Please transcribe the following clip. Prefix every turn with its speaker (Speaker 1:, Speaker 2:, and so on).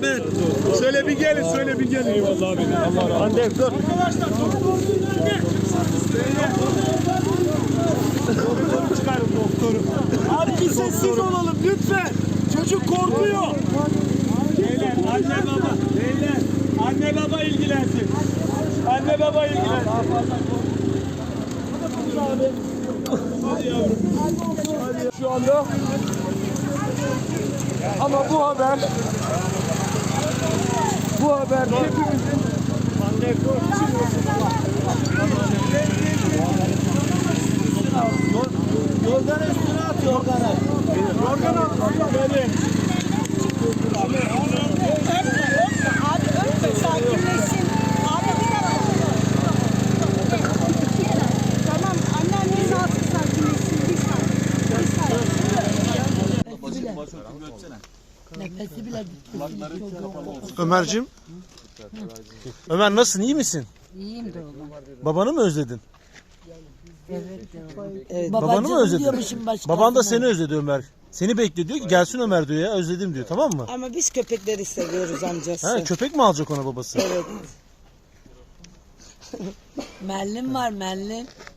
Speaker 1: Ahmet. Söyle bir gelin, söyle bir gelin.
Speaker 2: Eyvallah abi. Allah razı olsun.
Speaker 1: Hadi dur.
Speaker 3: Arkadaşlar doktoru
Speaker 1: Çıkarın doktoru.
Speaker 3: Abi bir sessiz olalım lütfen. Çocuk korkuyor.
Speaker 1: Beyler, anne baba. Beyler, anne baba ilgilensin. Anne baba ilgilensin. Hadi yavrum.
Speaker 2: Şu anda ama bu haber hepimizin
Speaker 1: Yorganı üstüne at yorganı. Yorganı at. Benim.
Speaker 4: Abi öpme sakinleşsin. Abi bir dakika. Tamam anneanneniz artık sakinleşsin. Nefesi bile bitti.
Speaker 5: Ömerciğim. Ömer nasılsın? İyi misin?
Speaker 4: İyiyim de oğlum.
Speaker 5: Babanı mı özledin?
Speaker 4: Evet.
Speaker 5: Babanı mı özledin?
Speaker 4: Diyormuşum
Speaker 5: Baban da seni özledi Ömer. Seni bekliyor diyor ki gelsin Ömer diyor ya özledim diyor, tamam mı?
Speaker 6: Ama biz köpekleri seviyoruz amcası.
Speaker 5: Ha, köpek mi alacak ona babası?
Speaker 6: Evet.
Speaker 4: Mellin var mellin.